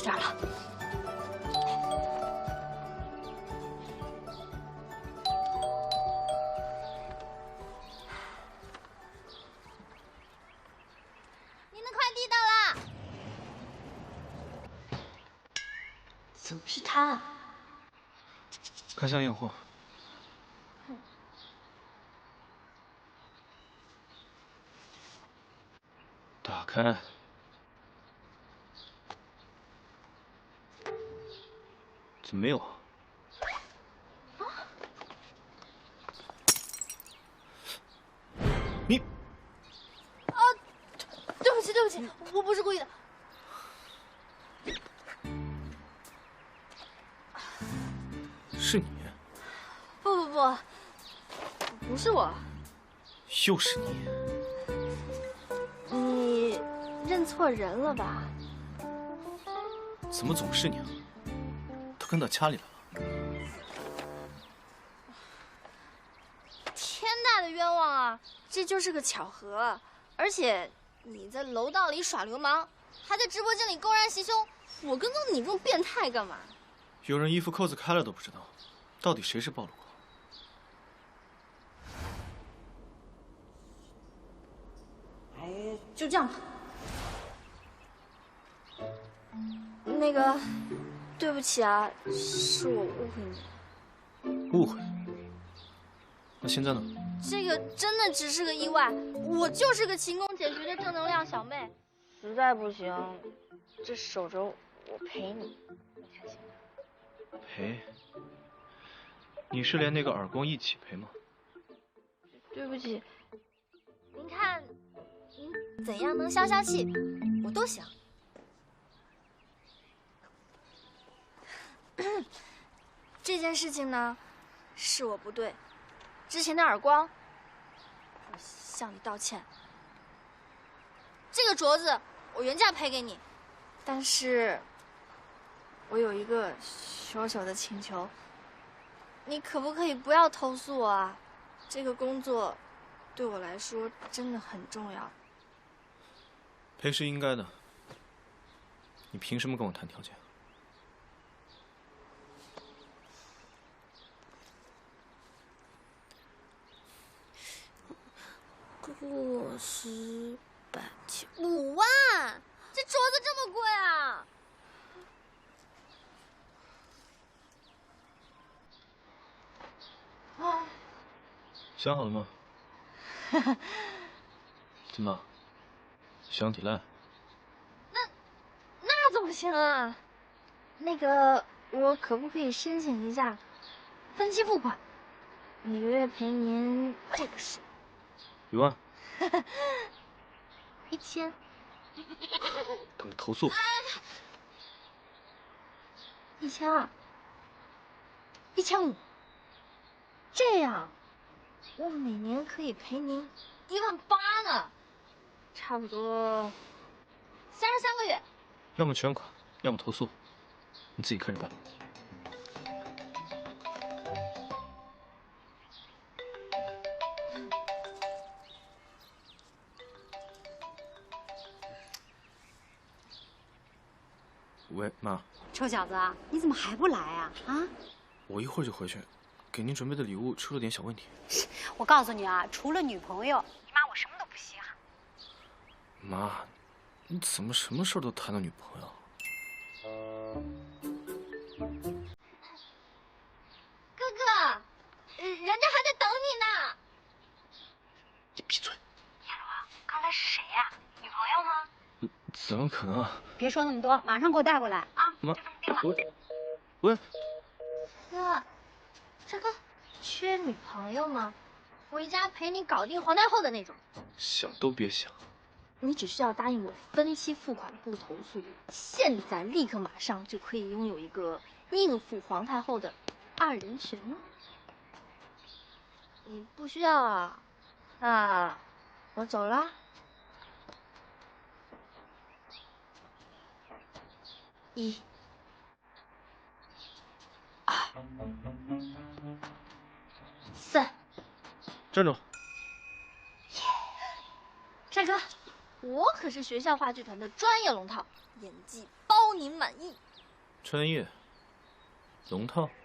点了。 您的快递到啦！ 怎么是他？ 开箱验货。打开。怎么没有啊？你对不起，对不起，我不是故意的。 是你？ 不是我。 又是你？ 你认错人了吧？ 怎么总是你啊？都跟到家里来了。 天大的冤枉啊！这就是个巧合，而且你在楼道里耍流氓，还在直播间里公然袭胸，我跟踪你这种变态干嘛？ 有人衣服扣子开了都不知道，到底谁是暴露狂？ 哎，就这样吧。 那个，对不起啊，是我误会你。 误会？那现在呢？ 这个真的只是个意外，我就是个勤工俭学的正能量小妹。实在不行，这手肘我陪你，你看行吗？ 赔？你是连那个耳光一起赔吗？ 对不起，您看，您怎样能消消气，我都行。这件事情呢，是我不对，之前的耳光，我向你道歉。这个镯子我原价赔给你，但是我有一个小小的请求，你可不可以不要投诉我啊？这个工作对我来说真的很重要。 赔是应该的。你凭什么跟我谈条件？ 60、100、5万，这镯子这么贵啊！ 想好了吗？怎么？想抵赖？ 那怎么行啊？那个，我可不可以申请一下分期付款？每个月赔您这个数。 1万。 1000。 等着投诉。 1200。1500。这样，我每年可以赔您18000呢，差不多33个月。 要么全款，要么投诉，你自己看着办。喂，妈。 臭小子，你怎么还不来啊？啊！ 我一会儿就回去，给您准备的礼物出了点小问题。 我告诉你啊，除了女朋友，你妈我什么都不稀罕。 妈，你怎么什么事都谈到女朋友？ 哥哥，人家还在等你呢。 你闭嘴！ 叶罗，刚才是谁呀？女朋友吗？ 怎么可能啊？ 别说那么多，马上给我带过来啊！ 妈， 就这么定了。 喂。 哥，这个缺女朋友吗？回家陪你搞定皇太后的那种。 想都别想。 你只需要答应我分期付款不投诉，现在立刻马上就可以拥有一个应付皇太后的2人群了。你不需要啊？那我走了。1、2、3。 站住！ 帅哥，我可是学校话剧团的专业龙套，演技包你满意。 穿越，龙套。